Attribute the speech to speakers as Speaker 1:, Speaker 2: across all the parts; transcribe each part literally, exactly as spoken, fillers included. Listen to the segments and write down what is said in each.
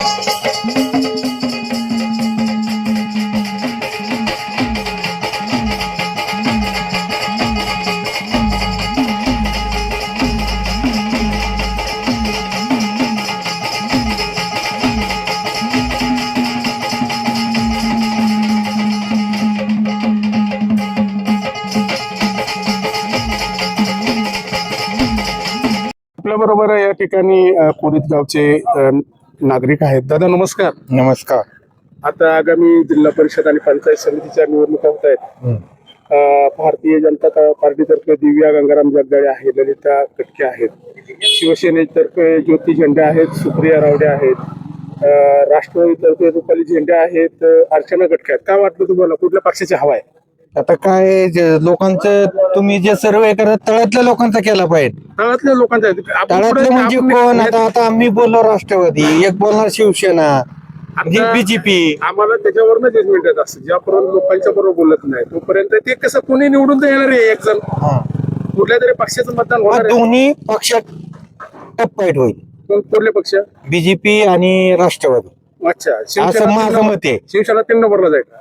Speaker 1: बरोबर या ठिकाणी कोरित गावचे अ, नागरिक आहेत. दादा नमस्कार.
Speaker 2: नमस्कार.
Speaker 1: आता आगामी जिल्हा परिषद आणि पंचायत समितीच्या निवडणुका होत आहेत. अ, भारतीय जनता पार्टीतर्फे दिव्या गंगाराम जगदाळे आहे, ललिता कटके आहेत, शिवसेनेतर्फे ज्योती झेंडे आहेत, सुप्रिया रावडे आहेत, अ, राष्ट्रवादीतर्फे रुपाली झेंडे आहेत, अर्चना कटके आहेत. काय वाटतं तुम्हाला कुठल्या पक्षाची हवा आहे?
Speaker 2: आता काय जे लोकांचं तुम्ही जे सर्वे करत तळातल्या लोकांचा केला पाहिजे.
Speaker 1: तळातल्या लोकांचा आहे. आपण
Speaker 2: तळातले
Speaker 1: पुढे-
Speaker 2: म्हणजे
Speaker 1: आपण-
Speaker 2: कोण? आता आता आम्ही बोललो राष्ट्रवादी, एक बोलणार शिवसेना,
Speaker 1: आता
Speaker 2: बीजेपी.
Speaker 1: आम्हाला त्याच्यावरनं जजमेंट येत असतं. ज्यापर्यंत लोकांच्या बरोबर बोलत नाही तोपर्यंत ते कसं कोणी निवडून तर येणार आहे. एक जण कुठल्या तरी पक्षाचं मतदान होणार आहे.
Speaker 2: दोन्ही पक्षात टप फाईट होईल,
Speaker 1: कोण- कुठले पक्ष?
Speaker 2: बीजेपी आणि राष्ट्रवादी.
Speaker 1: अच्छा,
Speaker 2: असं
Speaker 1: शिवसेना
Speaker 2: माझं
Speaker 1: तीन-
Speaker 2: मत आहे.
Speaker 1: शिवसेना तीन नंबरला जाईल.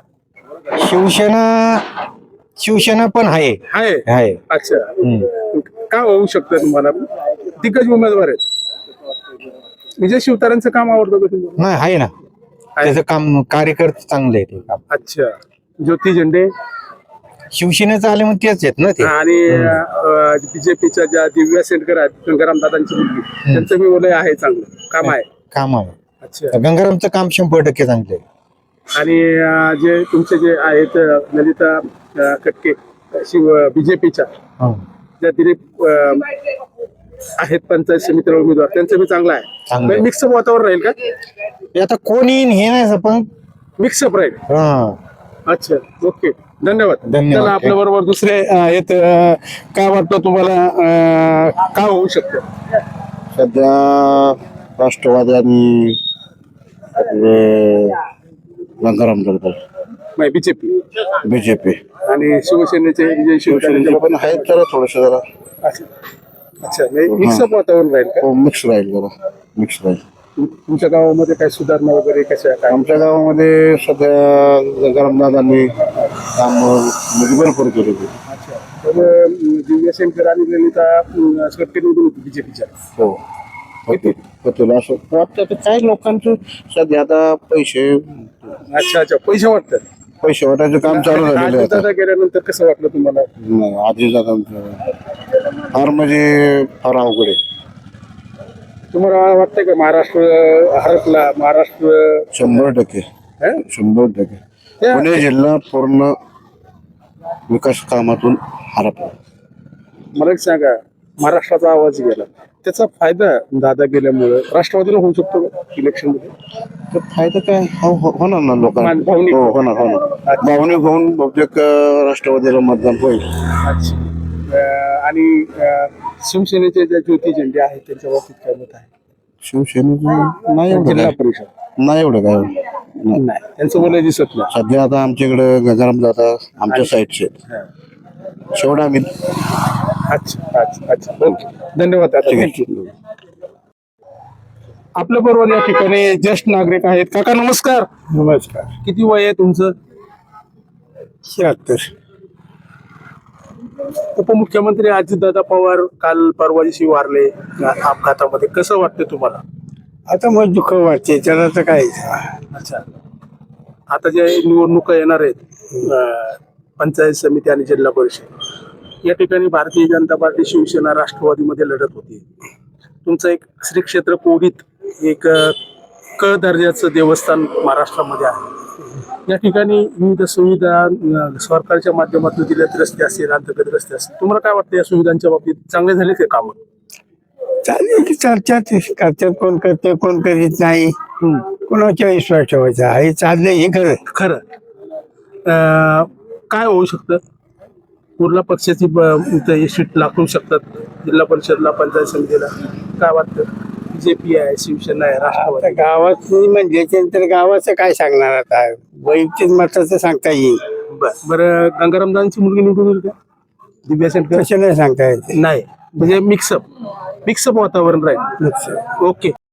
Speaker 2: शिवसेना शिवसेना पण आहे
Speaker 1: आहे.
Speaker 2: आहे
Speaker 1: अच्छा,
Speaker 2: हम्म.
Speaker 1: काय होऊ शकतं तुम्हाला? दिग्गज उमेदवार आहेत. विजय शिवतारेंचं काम आवडतं का तुम्हाला?
Speaker 2: नाही आहे ना, त्याचं काम कार्यकर्ते चांगले आहे ते काम.
Speaker 1: अच्छा, ज्योती झेंडे
Speaker 2: शिवसेनेचं आले मग तेच आहेत ना ते.
Speaker 1: आणि बीजेपीच्या ज्या दिव्या सेंडकर आहेत, गंगाराम दादांची मुलगी, त्यांचं मी बोलय आहे, चांगलं काम आहे.
Speaker 2: काम आहे.
Speaker 1: अच्छा,
Speaker 2: गंगारामचं काम शंभर टक्के चांगले आहे.
Speaker 1: आणि अं, जे तुमचे जे आहेत अं, ललिता अं, कटके शिव बीजेपीच्या ज्या दिलीप अं, आहेत पंचायत समितीला उमेदवार, त्यांचं बी चांगलं
Speaker 2: चांगलं
Speaker 1: आहे.
Speaker 2: आहे.
Speaker 1: मिक्सअप वातावरण राहील का?
Speaker 2: हे आता कोणी हे नाही असं पण
Speaker 1: मिक्सअप राहील.
Speaker 2: हा.
Speaker 1: अच्छा, ओके, धन्यवाद.
Speaker 2: धन्यवाद.
Speaker 1: चला, आपल्या बरोबर दुसरे अं, आहेत. अं, काय वाटतं तुम्हाला, अं, काय होऊ शकतं?
Speaker 3: सध्या राष्ट्रवादी आणि आपले गंगाराम जगदाळे,
Speaker 1: बीजेपी
Speaker 3: बीजेपी
Speaker 1: आणि शिवसेनेचे विजय शिवसेनेचे
Speaker 3: पण आहेत जरा थोडस जरा
Speaker 1: अच्छा, अच्छा, मिक्सअप वातावरण राहील का?
Speaker 3: मिक्स राहील जरा मिक्स राहील.
Speaker 1: तुम- तुमच्या गावामध्ये काय सुधारणा वगैरे कशा काय?
Speaker 3: आमच्या गावामध्ये सध्या गंगाराम दादांनी काम म्हणजे भरपूर केले.
Speaker 1: अच्छा, तर अं, दिव्या शंकर आणि ललिता कटके निवडून होती बीजेपीच्या.
Speaker 3: हो होते होतील असं वाटतं. तर काय लोकांचं सध्या आता पैसे
Speaker 1: अच्छा अच्छा, पैसे वाटतात.
Speaker 3: पैसे वाटायचं काम चालू झालेलं आहे आता.
Speaker 1: दादा गेल्यानंतर कसं वाटलं तुम्हाला?
Speaker 3: नाही, आधी दादांचं फार म्हणजे फार अवघड आहे.
Speaker 1: तुम्हाला वाटतंय का महाराष्ट्र हरपला? महाराष्ट्र
Speaker 3: शंभर टक्के
Speaker 1: हं?
Speaker 3: शंभर टक्के
Speaker 1: त्या-
Speaker 3: पुणे जिल्हा पूर्ण विकास कामातून हरपला.
Speaker 1: मला एक सांगा, महाराष्ट्राचा आवाज गेला, त्याचा फायदा दादा गेल्यामुळे राष्ट्रवादीला होऊ शकतो का इलेक्शन मध्ये?
Speaker 3: तर फायदा काय हो- हो- होणार ना लोकांना.
Speaker 1: मान- भावनिक.
Speaker 3: हो होणार होणार भावनिक होऊन बहुतेक अं, राष्ट्रवादीला मतदान होईल.
Speaker 1: अच्छा, अं, आणि अं, शिवसेनेचे जे ज्योती झेंडे आहेत त्यांच्या बाबतीत काय मत आहे?
Speaker 3: शिवसेनेचं नाही एवढं
Speaker 1: जिल्हा
Speaker 3: काय
Speaker 1: परिषद
Speaker 3: नाही एवढं काय नाही.
Speaker 1: नाही, त्यांचं बोलाय दिसत नाही.
Speaker 3: सध्या आता आमच्याकडे गंगाराम दादा आमच्या साईडचे
Speaker 1: हा.
Speaker 3: शेवट आम्ही
Speaker 1: अच्छा अच्छा अच्छा, ओके, धन्यवाद. आता
Speaker 3: ठीक आहे.
Speaker 1: थँक्यू. आपल्या बरोबर या ठिकाणी ज्येष्ठ नागरिक आहेत. काका नमस्कार.
Speaker 2: नमस्कार.
Speaker 1: किती वय आहे तुमचं?
Speaker 2: शहात्तर.
Speaker 1: उपमुख्यमंत्री अजितदादा पवार काल परवा दिवशी वारले या अपघातामध्ये. कसं वाटतं तुम्हाला?
Speaker 2: आता मग दुःख वाटते त्याला तर काय.
Speaker 1: अच्छा, आता जे निवडणुका येणार आहेत अं, पंचायत समिती आणि जिल्हा परिषद, या ठिकाणी भारतीय जनता पार्टी शिवसेना राष्ट्रवादीमध्ये लढत होती. तुमचं एक श्री क्षेत्र कोडीत एक अं, क दर्जाचं देवस्थान महाराष्ट्रामध्ये आहे. या ठिकाणी विविध सुविधा अं, सरकारच्या माध्यमातून दिल्यात, रस्ते असतील, अंतर्गत रस्ते असतील. तुम्हाला काय वाटतं या सुविधांच्या बाबतीत चांगले झाले ते काम?
Speaker 2: चालेल की चर्चा करतात, कोण करते कोण करीत नाही, कोणाच्या विश्वास ठेवायचा हे चाललंय हे खरं.
Speaker 1: खरं अं, काय होऊ शकतं? कुठल्या पक्षाची सीट लागू शकतात जिल्हा परिषदला, पंचायत समितीला? काय वाटतं? बीजेपी आहे, शिवसेना आहे,
Speaker 2: आता
Speaker 1: राष्ट्रवादी?
Speaker 2: गावात म्हणजे तर गावाचं काय सांगणार आता, वैयक्तिक मताचं सांगता येईल.
Speaker 1: बरं बरं, गंगारामदांची मुलगी निवडून येईल का? दिव्या सेंटर
Speaker 2: तसं नाही सांगता येते.
Speaker 1: नाही, म्हणजे मिक्सअप मिक्सअप वातावरण राहील. ओके.